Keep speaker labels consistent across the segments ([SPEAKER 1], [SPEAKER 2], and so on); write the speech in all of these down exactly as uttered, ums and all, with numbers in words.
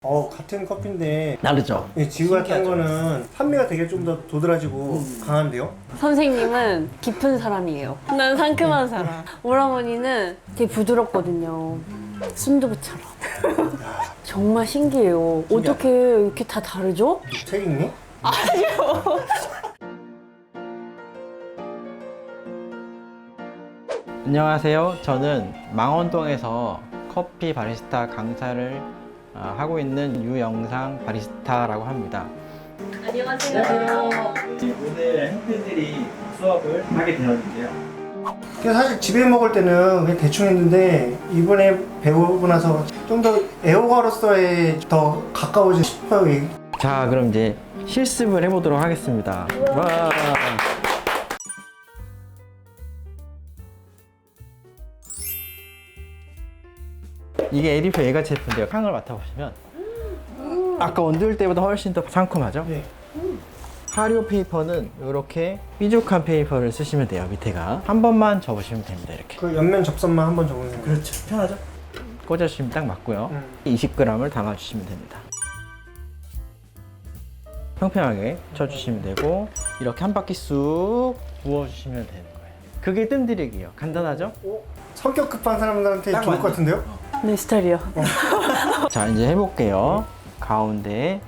[SPEAKER 1] 어, 같은 커피인데
[SPEAKER 2] 다르죠?
[SPEAKER 1] 이 지우 같은 거는 산미가 되게 좀 더 도드라지고
[SPEAKER 2] 음.
[SPEAKER 1] 강한데요?
[SPEAKER 3] 선생님은 깊은 사람이에요. 난 상큼한 사람. 오라버니는 되게 부드럽거든요. 순두부처럼. 정말 신기해요. 어떻게 이렇게 다 다르죠?
[SPEAKER 1] 책 읽니?
[SPEAKER 2] 안녕하세요. 저는 망원동에서 커피 바리스타 강사를 어, 하고 있는 유영상 바리스타라고 합니다.
[SPEAKER 3] 안녕하세요.
[SPEAKER 2] 오늘 학생들이 수업을 하게 되었는데요.
[SPEAKER 1] 그냥 사실 집에 먹을 때는 그냥 대충 했는데 이번에 배우고 나서 좀 더 애호가로서의 더 가까워지고 싶어요. 이게.
[SPEAKER 2] 자, 그럼 이제 실습을 해보도록 하겠습니다. 와. 이게 에디표 예가 제품인데요. 향을 맡아보시면 아까 원두일 때보다 훨씬 더 상큼하죠?
[SPEAKER 1] 네.
[SPEAKER 2] 하리오 페이퍼는 이렇게 삐죽한 페이퍼를 쓰시면 돼요. 밑에가 한 번만 접으시면 됩니다. 이렇게.
[SPEAKER 1] 그 옆면 접선만 한번 적으면 돼요.
[SPEAKER 2] 그렇죠. 편하죠? 꽂아주시면 딱 맞고요.
[SPEAKER 1] 음.
[SPEAKER 2] 이십 그램을 담아주시면 됩니다. 평평하게 쳐주시면 되고 이렇게 한 바퀴 쑥 부어주시면 되는 거예요. 그게 뜸들이기예요. 간단하죠?
[SPEAKER 1] 오, 성격 급한 사람들한테
[SPEAKER 2] 딱
[SPEAKER 1] 좋을 것
[SPEAKER 2] 맞네.
[SPEAKER 1] 같은데요?
[SPEAKER 3] 내 스타일이요.
[SPEAKER 2] 자, 이제 해볼게요. 가운데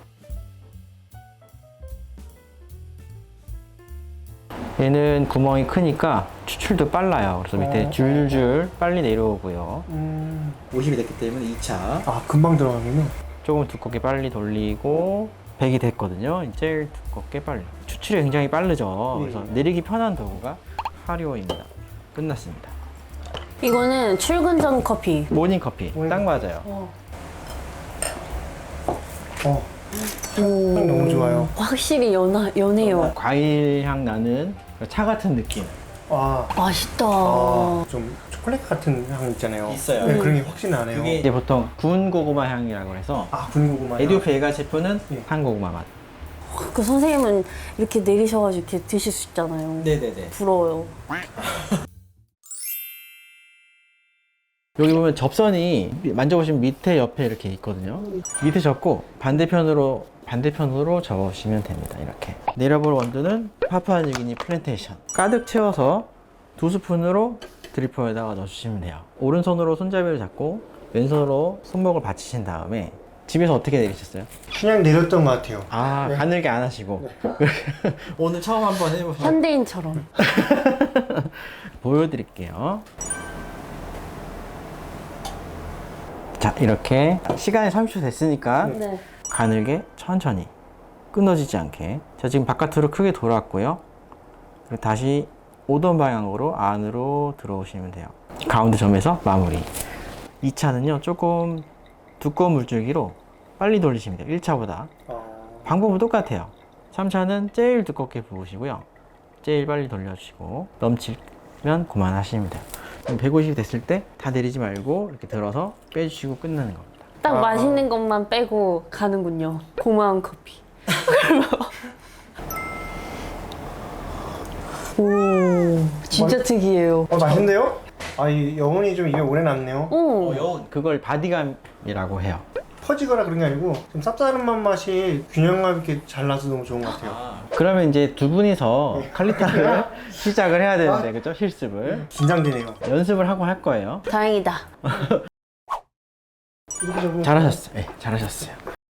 [SPEAKER 2] 얘는 구멍이 크니까 추출도 빨라요. 그래서 밑에
[SPEAKER 1] 어.
[SPEAKER 2] 줄줄 빨리 내려오고요.
[SPEAKER 1] 음...
[SPEAKER 2] 오십이 됐기 때문에 이 차
[SPEAKER 1] 아, 금방 들어가면은?
[SPEAKER 2] 조금 두껍게 빨리 돌리고 백이 됐거든요. 제일 두껍게 빨리. 추출이 굉장히 빠르죠.
[SPEAKER 1] 네.
[SPEAKER 2] 그래서 내리기 편한 도구가 하리오입니다. 끝났습니다.
[SPEAKER 3] 이거는 출근 전 커피.
[SPEAKER 2] 모닝 커피
[SPEAKER 1] 모닝
[SPEAKER 2] 딱 맞아요.
[SPEAKER 1] 어, 향 너무 좋아요.
[SPEAKER 3] 확실히 연하, 연해요.
[SPEAKER 2] 과일 향 나는 차 같은 느낌.
[SPEAKER 1] 아,
[SPEAKER 3] 맛있다.
[SPEAKER 1] 아, 좀 초콜릿 같은 향 있잖아요.
[SPEAKER 2] 있어요.
[SPEAKER 1] 네, 그런 게 확실히 나네요.
[SPEAKER 2] 그게 이제 보통 구운 고구마 향이라고 해서
[SPEAKER 1] 아, 군고구마.
[SPEAKER 2] 에디오프 예가 제품은
[SPEAKER 1] 네.
[SPEAKER 2] 한 고구마 맛.
[SPEAKER 3] 그 선생님은 이렇게 내리셔가지고 이렇게 드실 수 있잖아요.
[SPEAKER 2] 네네네.
[SPEAKER 3] 부러워요.
[SPEAKER 2] 여기 보면 접선이 만져보시면 밑에 옆에 이렇게 있거든요. 밑에 접고 반대편으로 반대편으로 접으시면 됩니다. 이렇게 내려볼 원두는 파푸아뉴기니 플랜테이션 가득 채워서 두 스푼으로 드리퍼에다가 넣어주시면 돼요. 오른손으로 손잡이를 잡고 왼손으로 손목을 받치신 다음에 집에서 어떻게 내리셨어요?
[SPEAKER 1] 그냥 내렸던 것 같아요.
[SPEAKER 2] 아,
[SPEAKER 1] 네.
[SPEAKER 2] 가늘게 안 하시고 오늘 처음 한번 해보세요.
[SPEAKER 3] 현대인처럼.
[SPEAKER 2] 보여드릴게요. 자, 이렇게 시간이 삼십 초 됐으니까
[SPEAKER 3] 네.
[SPEAKER 2] 가늘게 천천히 끊어지지 않게. 자, 지금 바깥으로 크게 돌았고요. 그리고 다시 오던 방향으로 안으로 들어오시면 돼요. 가운데 점에서 마무리. 이 차는요 조금 두꺼운 물줄기로 빨리 돌리시면 돼요. 일 차보다.
[SPEAKER 1] 어...
[SPEAKER 2] 방법은 똑같아요. 삼 차는 제일 두껍게 부으시고요. 제일 빨리 돌려주시고 넘치면 그만하시면 돼요. 백오십이 됐을 때 다 내리지 말고 이렇게 들어서 빼주시고 끝나는 겁니다.
[SPEAKER 3] 딱
[SPEAKER 1] 아,
[SPEAKER 3] 맛있는 것만 빼고 가는군요. 고마운 커피. 오, 진짜
[SPEAKER 1] 맛-
[SPEAKER 3] 특이해요.
[SPEAKER 1] 어, 맛있는데요? 아, 이 여운이 좀 입에 오래 남네요.
[SPEAKER 3] 오,
[SPEAKER 2] 그걸 바디감이라고 해요.
[SPEAKER 1] 퍼지거나 그런 게 아니고 좀 쌉싸름한 맛이 균형감 있게 잘 나서 너무 좋은 것 같아요.
[SPEAKER 2] 그러면 이제 두 분이서 칼리타를 시작을 해야 되는데, 그죠? 실습을.
[SPEAKER 1] 긴장되네요.
[SPEAKER 2] 연습을 하고 할 거예요.
[SPEAKER 3] 다행이다.
[SPEAKER 1] 이렇게 적으면
[SPEAKER 2] 잘하셨어요. 네, 잘하셨어요.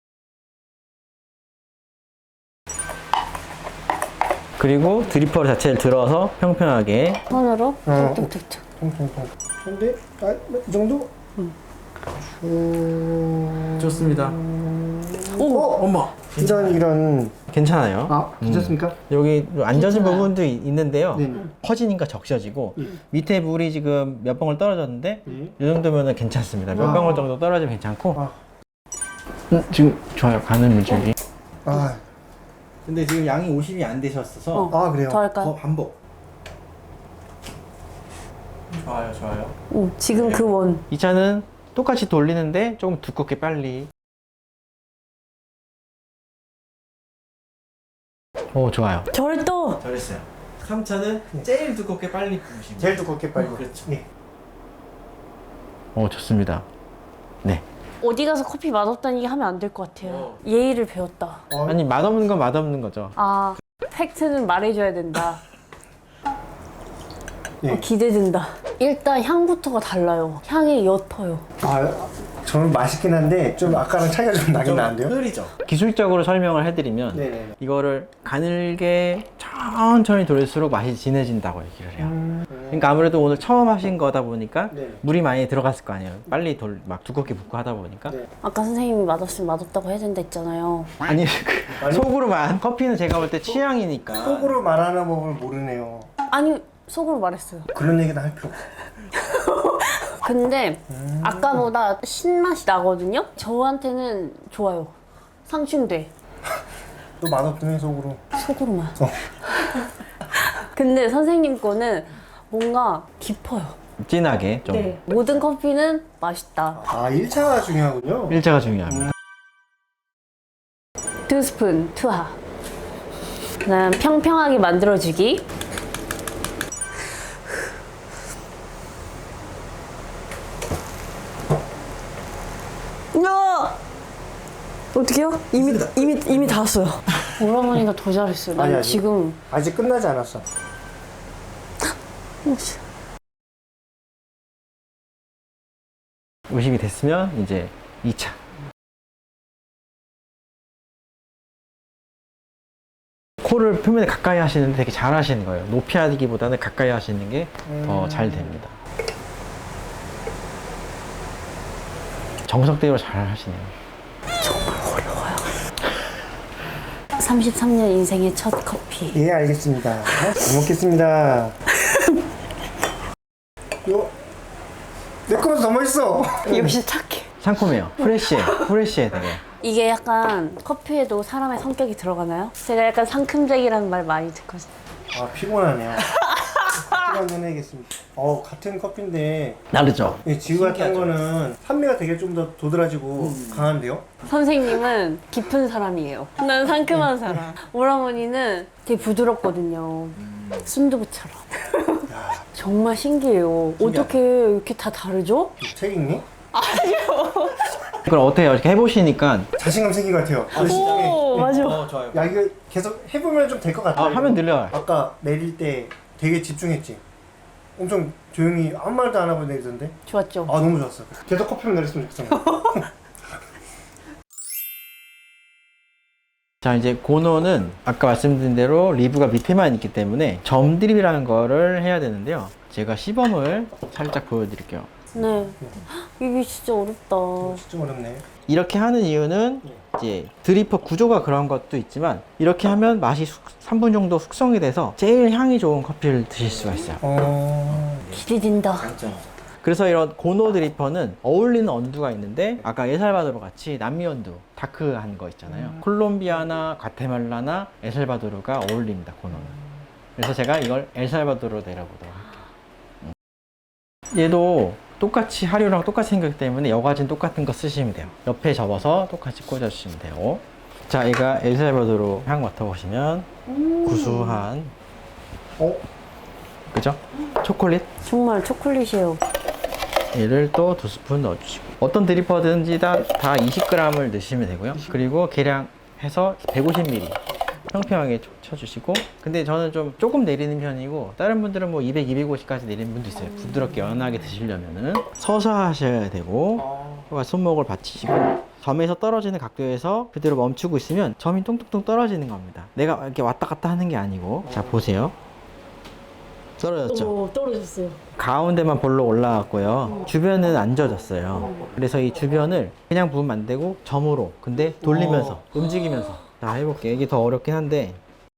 [SPEAKER 2] 그리고 드리퍼 자체를 들어서 평평하게.
[SPEAKER 3] 손으로
[SPEAKER 1] 어.
[SPEAKER 3] 툭툭툭툭.
[SPEAKER 1] 통통통. 근데 아, 이 정도? 음.
[SPEAKER 2] 좋습니다.
[SPEAKER 3] 오,
[SPEAKER 2] 어머!
[SPEAKER 1] 이런 이런.
[SPEAKER 2] 괜찮아요.
[SPEAKER 1] 아, 괜찮습니까?
[SPEAKER 2] 여기 안 젖은
[SPEAKER 3] 괜찮아요.
[SPEAKER 2] 부분도 이- 있는데요.
[SPEAKER 1] 네.
[SPEAKER 2] 퍼지니까 적셔지고
[SPEAKER 1] 예.
[SPEAKER 2] 밑에 물이 지금 몇 방울 떨어졌는데
[SPEAKER 1] 예.
[SPEAKER 2] 이 정도면 괜찮습니다. 몇
[SPEAKER 1] 아.
[SPEAKER 2] 방울 정도 떨어지면 괜찮고.
[SPEAKER 1] 아,
[SPEAKER 2] 음, 지금 좋아요. 가는 물줄기.
[SPEAKER 1] 아,
[SPEAKER 2] 근데 지금 양이 오십이 안 되셨어서
[SPEAKER 3] 어.
[SPEAKER 1] 아 그래요.
[SPEAKER 3] 더 할까요?
[SPEAKER 2] 반복. 좋아요, 좋아요.
[SPEAKER 3] 오, 지금 그 원.
[SPEAKER 2] 이 차는 똑같이 돌리는데 조금 두껍게 빨리. 오, 좋아요.
[SPEAKER 3] 절도.
[SPEAKER 2] 잘했어요. 삼 차는 제일 두껍게 빨리 부으시면
[SPEAKER 1] 제일 두껍게 빨리.
[SPEAKER 2] 그렇죠.
[SPEAKER 1] 네.
[SPEAKER 2] 오, 좋습니다. 네.
[SPEAKER 3] 어디 가서 커피 맛없다는 얘기 하면 안 될 것 같아요. 예의를 배웠다.
[SPEAKER 1] 어,
[SPEAKER 2] 아니 맛없는 건 맛없는 거죠.
[SPEAKER 3] 아, 팩트는 말해줘야 된다.
[SPEAKER 1] 예.
[SPEAKER 3] 어, 기대된다. 일단 향부터가 달라요. 향이 옅어요.
[SPEAKER 1] 아, 저는 맛있긴 한데 좀 아까랑 차이가 좀 나긴 나는데요?
[SPEAKER 2] 흐리죠. 기술적으로 설명을 해드리면
[SPEAKER 1] 네네네.
[SPEAKER 2] 이거를 가늘게 천천히 돌릴수록 맛이 진해진다고 얘기를 해요.
[SPEAKER 1] 음.
[SPEAKER 2] 그러니까 아무래도 오늘 처음 하신 거다 보니까
[SPEAKER 1] 네.
[SPEAKER 2] 물이 많이 들어갔을 거 아니에요. 빨리 돌, 막 두껍게 붓고 하다 보니까.
[SPEAKER 1] 네.
[SPEAKER 3] 아까 선생님이 맛없으면 맛없다고 해야 된다 했잖아요.
[SPEAKER 2] 아니, 그
[SPEAKER 1] 아니.
[SPEAKER 2] 속으로만. 커피는 제가 볼 때 취향이니까.
[SPEAKER 1] 속으로 말하는 법을 모르네요.
[SPEAKER 3] 아니, 속으로 말했어요.
[SPEAKER 1] 그런 얘기는 할 필요 없어.
[SPEAKER 3] 근데 아까보다 신맛이 나거든요? 저한테는 좋아요. 상충돼.
[SPEAKER 1] 또 맛없네 속으로.
[SPEAKER 3] 속으로만.
[SPEAKER 1] 어.
[SPEAKER 3] 근데 선생님 거는 뭔가 깊어요.
[SPEAKER 2] 진하게 좀.
[SPEAKER 3] 네. 모든 커피는 맛있다.
[SPEAKER 1] 아 일 차가 중요하군요.
[SPEAKER 2] 일자가 중요합니다.
[SPEAKER 3] 두 스푼 투하. 그다음 평평하게 만들어주기. 야! 어떡해요? 이미 이미 이미 다 왔어요. 오라버니가 더 잘했어요. 난
[SPEAKER 1] 아니, 아니.
[SPEAKER 3] 지금
[SPEAKER 1] 아직 끝나지 않았어.
[SPEAKER 2] 의식이 됐으면 이제 이 차. 코를 표면에 가까이 하시는데 되게 잘 하시는 거예요. 높이 하기보다는 가까이 하시는 게 더 잘 됩니다. 정석대로 잘 하시네요.
[SPEAKER 3] 삼십삼 년 인생의 첫 커피.
[SPEAKER 1] 예 알겠습니다. 잘 먹겠습니다. 요. 내 거보다 더 맛있어.
[SPEAKER 3] 역시 착해.
[SPEAKER 2] 상콤해요. 프레쉬해. 프레쉬해 되게.
[SPEAKER 3] 이게 약간 커피에도 사람의 성격이 들어가나요? 제가 약간 상큼쟁이라는 말 많이 듣거든요.
[SPEAKER 1] 아 피곤하네요. 커피 한잔 해야겠습니다. 어 같은 커피인데
[SPEAKER 2] 다르죠?
[SPEAKER 1] 예, 지우가 탄 거는 산미가 되게 좀 더 도드라지고 강한데요?
[SPEAKER 3] 선생님은 깊은 사람이에요. 난 상큼한 사람. 오라버니는 되게 부드럽거든요. 순두부처럼. 정말 신기해요. 어떻게 이렇게 다 다르죠?
[SPEAKER 1] 책 읽니?
[SPEAKER 2] 그럼 어때요? 이렇게 해보시니까
[SPEAKER 1] 자신감 생긴 것 같아요.
[SPEAKER 3] 오, 맞아.
[SPEAKER 2] 좋아요.
[SPEAKER 1] 야 이거 계속 해보면 좀 될 것 같아.
[SPEAKER 2] 아, 하면 늘려요.
[SPEAKER 1] 아까 내릴 때 되게 집중했지. 엄청 조용히 아무 말도 안 하고 내리던데.
[SPEAKER 3] 좋았죠?
[SPEAKER 1] 아 너무 좋았어. 계속 커피만 내렸으면 좋겠어.
[SPEAKER 2] 자, 이제 고노는 아까 말씀드린 대로 리브가 밑에만 있기 때문에 점 드립이라는 거를 해야 되는데요. 제가 시범을 살짝 보여드릴게요.
[SPEAKER 3] 네. 이게 진짜 어렵다.
[SPEAKER 1] 진짜 어렵네.
[SPEAKER 2] 이렇게 하는 이유는 이제 드리퍼 구조가 그런 것도 있지만 이렇게 하면 맛이 삼 분 정도 숙성이 돼서 제일 향이 좋은 커피를 드실 수가 있어요.
[SPEAKER 1] 어.
[SPEAKER 3] 기대된다.
[SPEAKER 2] 그래서 이런 고노 드리퍼는 어울리는 원두가 있는데 아까 에살바도르 같이 남미 원두 다크한 거 있잖아요. 콜롬비아나 과테말라나 에살바도르가 어울립니다. 고노는. 그래서 제가 이걸 엘살바도르로 내려보도록 할게요. 음. 얘도 똑같이 하류랑 똑같이 생겼기 때문에 여과진 똑같은 거 쓰시면 돼요. 옆에 접어서 똑같이 꽂아주시면 돼요. 자, 얘가 엘살바도르 향 맡아보시면 구수한,
[SPEAKER 1] 어?
[SPEAKER 2] 그죠? 초콜릿.
[SPEAKER 3] 정말 초콜릿이에요.
[SPEAKER 2] 얘를 또 두 스푼 넣어주시고, 어떤 드리퍼든지 다, 다 이십 그램을 넣으시면 되고요. 그리고 계량해서 백오십 밀리리터 평평하게 쳐- 쳐주시고, 근데 저는 좀 조금 내리는 편이고 다른 분들은 뭐 이백, 이백오십까지 내리는 분도 있어요. 부드럽게 연하게 드시려면은 서서 하셔야 되고,
[SPEAKER 1] 아.
[SPEAKER 2] 손목을 받치시고 점에서 떨어지는 각도에서 그대로 멈추고 있으면 점이 뚱뚱뚱 떨어지는 겁니다. 내가 이렇게 왔다 갔다 하는 게 아니고. 자, 보세요. 떨어졌죠?
[SPEAKER 3] 오, 떨어졌어요.
[SPEAKER 2] 가운데만 볼록 올라왔고요. 주변은 안 젖었어요. 그래서 이 주변을 그냥 부으면 안 되고 점으로, 근데 돌리면서, 움직이면서. 자, 해볼게요. 이게 더 어렵긴 한데.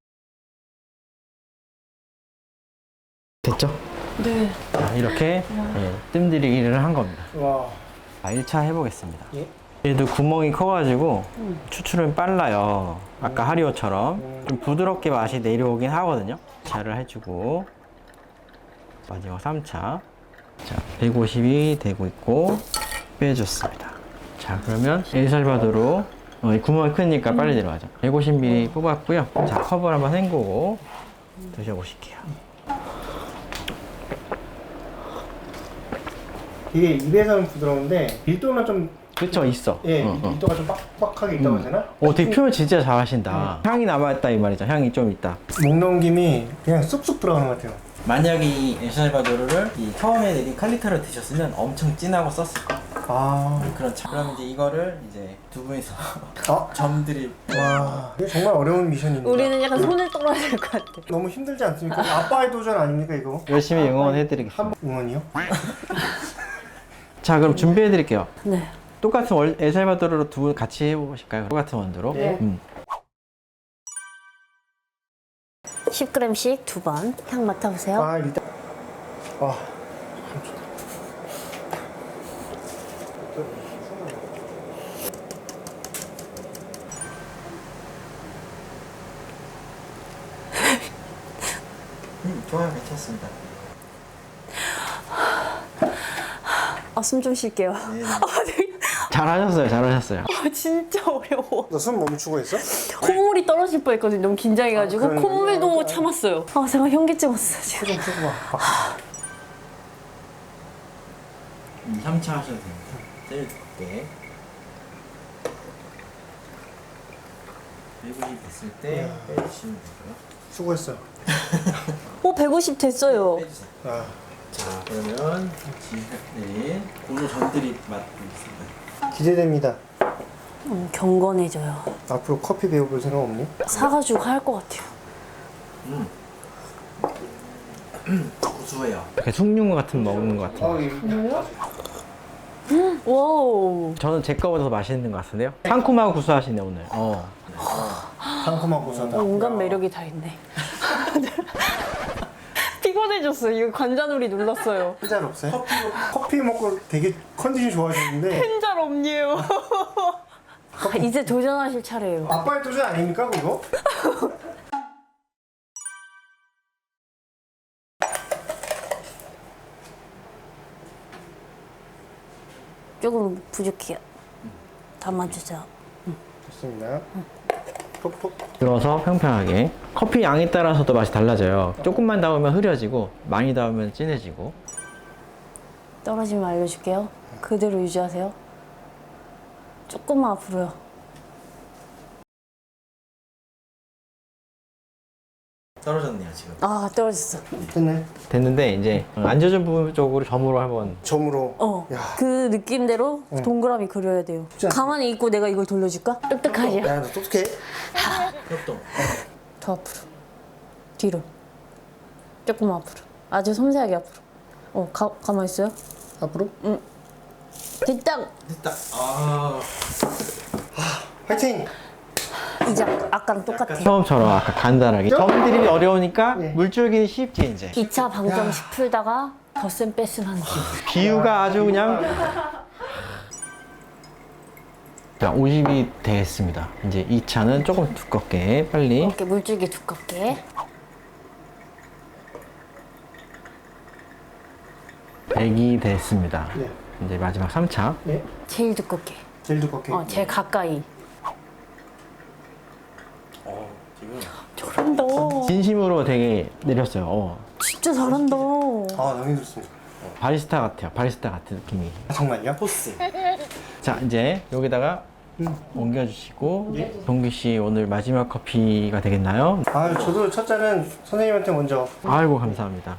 [SPEAKER 2] 됐죠?
[SPEAKER 3] 네.
[SPEAKER 2] 자, 이렇게 예, 뜸들이기를 한 겁니다.
[SPEAKER 1] 와.
[SPEAKER 2] 자, 일 차 해보겠습니다.
[SPEAKER 1] 예?
[SPEAKER 2] 얘도 구멍이 커가지고 추출은 빨라요. 아까 하리오처럼 좀 부드럽게 맛이 내려오긴 하거든요. 차를 해주고 마지막 삼 차. 자, 백오십이 되고 있고 빼줬습니다. 자, 그러면 엘살바도르 어, 이 구멍이 크니까 빨리 내려가죠. 백오십 밀리리터 뽑았고요. 자, 컵을 한번 헹구고 드셔보실게요.
[SPEAKER 1] 이게 입에서는 부드러운데 밀도는 좀
[SPEAKER 2] 그쵸, 있어.
[SPEAKER 1] 예,
[SPEAKER 2] 어, 어.
[SPEAKER 1] 밀도가 좀 빡빡하게 있다고 해야 되나?
[SPEAKER 2] 오, 되게 표현 진짜 잘하신다. 향이 남아있다 이 말이죠. 향이 좀 있다.
[SPEAKER 1] 목 넘김이 그냥 쑥쑥 들어가는 것 같아요.
[SPEAKER 2] 만약에 이 엘살바도르를 이 처음에 내린 칼리타로 드셨으면 엄청 진하고 썼을 거예요.
[SPEAKER 1] 아,
[SPEAKER 2] 그런 차. 그럼 이제 이거를 이제 두 분이서
[SPEAKER 1] 아,
[SPEAKER 2] 점들이
[SPEAKER 1] 와, 이거 정말 어려운 미션입니다.
[SPEAKER 3] 우리는 약간 손을 떨어야 될 것 같아.
[SPEAKER 1] 너무 힘들지 않습니까? 아빠의 도전 아닙니까 이거?
[SPEAKER 2] 열심히 응원해드리겠습니다.
[SPEAKER 1] 한 응원이요?
[SPEAKER 2] 자, 그럼 준비해드릴게요.
[SPEAKER 3] 네.
[SPEAKER 2] 똑같은 월, 엘살바도르로 두 분 같이 해보실까요? 똑같은 원두로.
[SPEAKER 1] 네.
[SPEAKER 2] 음.
[SPEAKER 3] 십 그램씩 두 번. 향 맡아보세요.
[SPEAKER 1] 아, 일단 아,
[SPEAKER 2] 음, 좋아요, 괜찮습니다.
[SPEAKER 3] 아, 숨 좀 쉴게요.
[SPEAKER 2] 네, 네.
[SPEAKER 3] 아, 되게-
[SPEAKER 2] 잘하셨어요, 잘하셨어요.
[SPEAKER 3] 아, 진짜 어려워.
[SPEAKER 1] 너 숨 멈추고 있어?
[SPEAKER 3] 콧물이 떨어질 뻔했거든요. 너무 긴장해가지고
[SPEAKER 1] 아, 그러네.
[SPEAKER 3] 콧물도
[SPEAKER 1] 아,
[SPEAKER 3] 참았어요. 아, 제가 현기증 왔어요 지금.
[SPEAKER 1] 좀 푸고 봐. 아,
[SPEAKER 2] 음, 삼 차 하셔도 됩니다. 제일 때 백오십 됐을 때 빼주시면 되고요.
[SPEAKER 1] 수고했어.
[SPEAKER 3] 오, 백오십 됐어요.
[SPEAKER 2] 빼주세요.
[SPEAKER 1] 아,
[SPEAKER 2] 자, 그러면 지금 고노 전들이 맡고 있습니다.
[SPEAKER 1] 기대됩니다.
[SPEAKER 3] 음, 경건해져요.
[SPEAKER 1] 앞으로 커피 배워볼 생각 없니?
[SPEAKER 3] 사가지고 할 것 같아요.
[SPEAKER 2] 음. 고소해요. 이렇게 숭늉 같은 먹는 것 같아요.
[SPEAKER 3] 와우.
[SPEAKER 2] 저는 제 거보다 더 맛있는 것 같은데요? 상콤하고 구수하시네 오늘. 어.
[SPEAKER 1] 상큼하고 고소하다.
[SPEAKER 3] 온갖 매력이 다 있네. 피곤해졌어요. 이거 관자놀이 눌렀어요.
[SPEAKER 1] 한잔 없어요? 커피, 커피 먹고 되게 컨디션 좋아졌는데
[SPEAKER 3] 한 잔 없니에요. 아, 이제 도전하실 차례예요.
[SPEAKER 1] 아빠의 도전 아닙니까 그거?
[SPEAKER 3] 조금 부족해요. 담아주세요.
[SPEAKER 1] 좋습니다. 톡톡.
[SPEAKER 2] 들어서 평평하게. 커피 양에 따라서도 맛이 달라져요. 조금만 담으면 흐려지고 많이 담으면 진해지고.
[SPEAKER 3] 떨어지면 알려줄게요. 그대로 유지하세요. 조금만 앞으로요.
[SPEAKER 2] 떨어졌네요 지금.
[SPEAKER 3] 아, 떨어졌어.
[SPEAKER 1] 됐네.
[SPEAKER 2] 됐는데 이제 안 젖은 부분 쪽으로 점으로 한번.
[SPEAKER 1] 점으로.
[SPEAKER 3] 어.
[SPEAKER 1] 야.
[SPEAKER 3] 그 느낌대로 동그라미 그려야 돼요.
[SPEAKER 1] 쉽지 않다.
[SPEAKER 3] 가만히 있고 내가 이걸 돌려줄까? 똑똑하죠?
[SPEAKER 1] 야, 너 똑똑해.
[SPEAKER 2] 협동.
[SPEAKER 3] 더 앞으로. 뒤로. 조금 앞으로. 아주 섬세하게 앞으로. 어, 가, 가만히 있어요.
[SPEAKER 1] 앞으로.
[SPEAKER 3] 됐다.
[SPEAKER 2] 됐다. 아.
[SPEAKER 1] 화이팅.
[SPEAKER 3] 이제 아까랑 똑같아.
[SPEAKER 2] 처음처럼 아까 간단하게. 점들이 어려우니까
[SPEAKER 1] 네.
[SPEAKER 2] 물줄기는 쉽지 이제.
[SPEAKER 3] 기차 방정식 풀다가 덧셈 뺄셈 하는 거.
[SPEAKER 2] 비유가 아주 그냥. 자, 오십이 됐습니다. 이제 이 차는 조금 두껍게 빨리.
[SPEAKER 3] 이렇게 물줄기 두껍게.
[SPEAKER 2] 백이 됐습니다.
[SPEAKER 1] 네.
[SPEAKER 2] 이제 마지막 삼 차.
[SPEAKER 1] 네.
[SPEAKER 3] 제일 두껍게.
[SPEAKER 1] 제일 두껍게.
[SPEAKER 3] 어, 제일 가까이.
[SPEAKER 2] 어, 지금.
[SPEAKER 3] 잘한다.
[SPEAKER 2] 진심으로 되게 내렸어요. 어.
[SPEAKER 3] 진짜 잘한다.
[SPEAKER 1] 아, 너무 힘들습니다.
[SPEAKER 2] 바리스타 같아요. 바리스타 같은 느낌이.
[SPEAKER 1] 아, 정말요?
[SPEAKER 2] 포스. 자, 이제 여기다가
[SPEAKER 1] 음.
[SPEAKER 2] 옮겨주시고
[SPEAKER 1] 예.
[SPEAKER 2] 동기 씨 오늘 마지막 커피가 되겠나요?
[SPEAKER 1] 아, 저도 첫 잔은 선생님한테 먼저.
[SPEAKER 2] 아이고 감사합니다.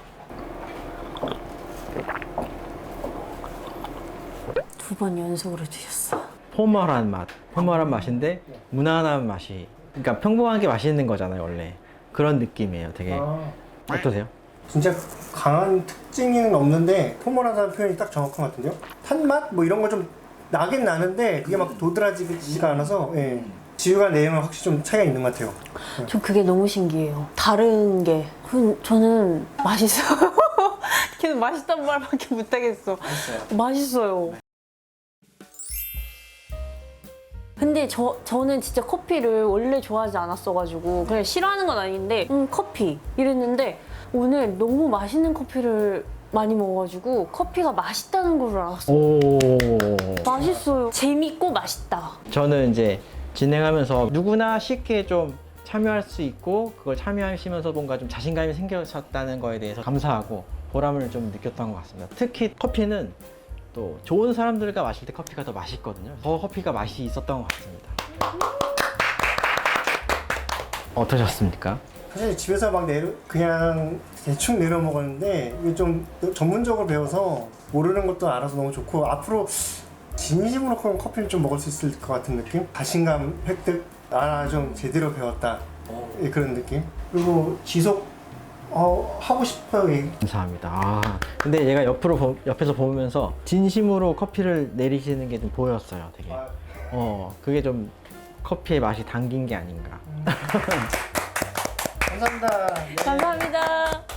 [SPEAKER 3] 두 번 연속으로 드셨어.
[SPEAKER 2] 포멀한 맛, 포멀한 맛인데 무난한 맛이. 그러니까 평범한 게 맛있는 거잖아요 원래. 그런 느낌이에요. 되게.
[SPEAKER 1] 아,
[SPEAKER 2] 어떠세요?
[SPEAKER 1] 진짜 강한 특징은 없는데 포멀하다는 표현이 딱 정확한 것 같은데요? 탄맛? 뭐 이런 거 좀 나긴 나는데 그게 막 도드라지지가 않아서 예. 지유가 내용은 확실히 좀 차이가 있는 것 같아요.
[SPEAKER 3] 전 그게 너무 신기해요. 다른 게. 그, 저는 맛있어요. 계속 맛있단 말밖에 못하겠어.
[SPEAKER 2] 맛있어요.
[SPEAKER 3] 맛있어요. 근데 저, 저는 진짜 커피를 원래 좋아하지 않았어가지고 그냥 싫어하는 건 아닌데 음 커피 이랬는데 오늘 너무 맛있는 커피를 많이 먹어가지고 커피가 맛있다는 걸 알았어요.
[SPEAKER 2] 오.
[SPEAKER 3] 맛있어요. 재밌고 맛있다.
[SPEAKER 2] 저는 이제 진행하면서 누구나 쉽게 좀 참여할 수 있고 그걸 참여하시면서 뭔가 좀 자신감이 생겼다는 거에 대해서 감사하고 보람을 좀 느꼈던 것 같습니다. 특히 커피는 또 좋은 사람들과 마실 때 커피가 더 맛있거든요. 더 커피가 맛이 있었던 것 같습니다. 어떠셨습니까?
[SPEAKER 1] 사실 집에서 막 내려 그냥 대충 내려 먹었는데 이게 좀 전문적으로 배워서 모르는 것도 알아서 너무 좋고 앞으로 진심으로 커피를 좀 먹을 수 있을 것 같은 느낌? 자신감 획득. 아, 좀 제대로 배웠다. 예, 그런 느낌. 그리고 지속 어, 하고 싶어요. 예.
[SPEAKER 2] 감사합니다. 아, 근데 얘가 옆으로 보- 옆에서 보면서 진심으로 커피를 내리시는 게 좀 보였어요. 되게.
[SPEAKER 1] 아,
[SPEAKER 2] 어, 그게 좀 커피의 맛이 담긴 게 아닌가.
[SPEAKER 1] 감사합니다. 네.
[SPEAKER 3] 감사합니다.